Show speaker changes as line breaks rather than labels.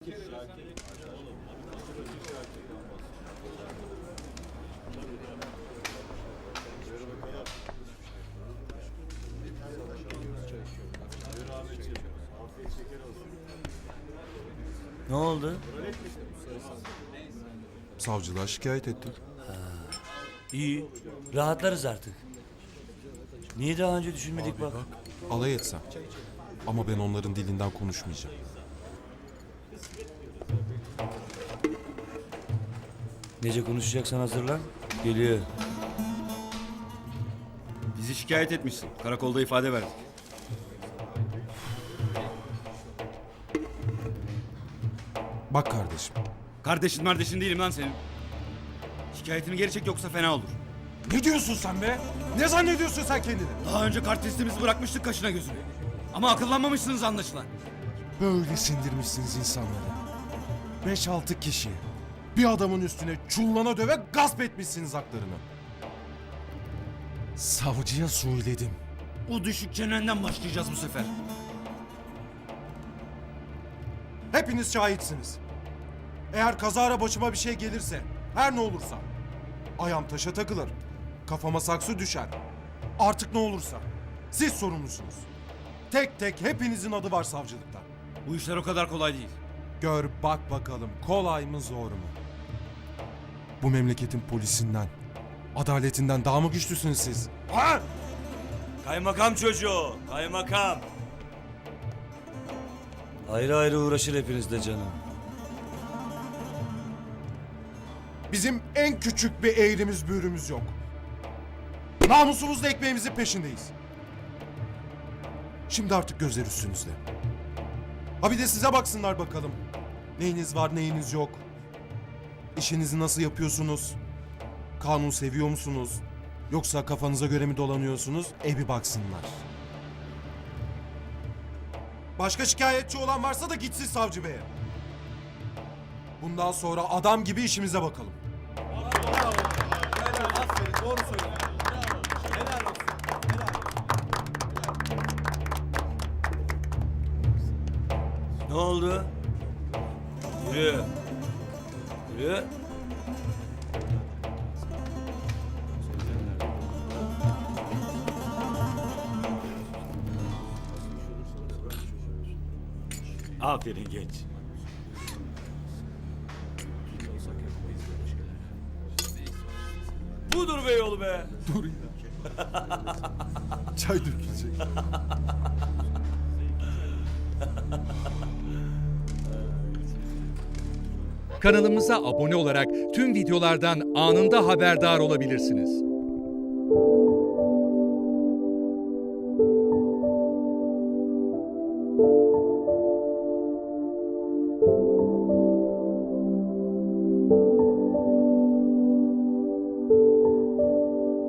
Ne oldu?
Savcılığa şikayet ettim.
İyi. Rahatlarız artık. Niye daha önce düşünmedik bak.
Alay etsem. Ama ben onların dilinden konuşmayacağım.
Nece konuşacaksan hazırlan. Geliyor.
Bizi şikayet etmişsin. Karakolda ifade verdik.
Bak kardeşim.
Kardeşin değilim lan senin. Şikayetini geri çek yoksa fena olur.
Ne diyorsun sen be? Ne zannediyorsun sen kendini?
Daha önce kart testimizi bırakmıştık kaşına gözüne. Ama akıllanmamışsınız anlaşılan.
Böyle sindirmişsiniz insanları. 5-6 kişi. Bir adamın üstüne çullana döve gasp etmişsiniz haklarını. Savcıya söyledim.
O düşük çenenden başlayacağız bu sefer.
Hepiniz şahitsiniz. Eğer kazara başıma bir şey gelirse, her ne olursa, ayağım taşa takılır, kafama saksı düşer. Artık ne olursa, siz sorumlusunuz. Tek tek hepinizin adı var savcılıkta.
Bu işler o kadar kolay değil.
Gör bak bakalım, kolay mı zor mu? Bu memleketin polisinden, adaletinden daha mı güçlüsünüz siz? Ha?
Kaymakam çocuğu. Kaymakam. Ayrı ayrı uğraşır hepiniz de canım.
Bizim en küçük bir eğrimiz büğrümüz yok. Namusumuzla ekmeğimizin peşindeyiz. Şimdi artık gözler üstünüzde. Ha bir de size baksınlar bakalım. Neyiniz var neyiniz yok. İşinizi nasıl yapıyorsunuz? Kanun seviyor musunuz? Yoksa kafanıza göre mi dolanıyorsunuz? Bir baksınlar. Başka şikayetçi olan varsa da gitsin savcı beye. Bundan sonra adam gibi işimize bakalım.
Ne oldu? Yürü. Yürü. Aferin genç. Budur be yolu be.
Dur ya. Çay dökülecek.
Kanalımıza abone olarak tüm videolardan anında haberdar olabilirsiniz.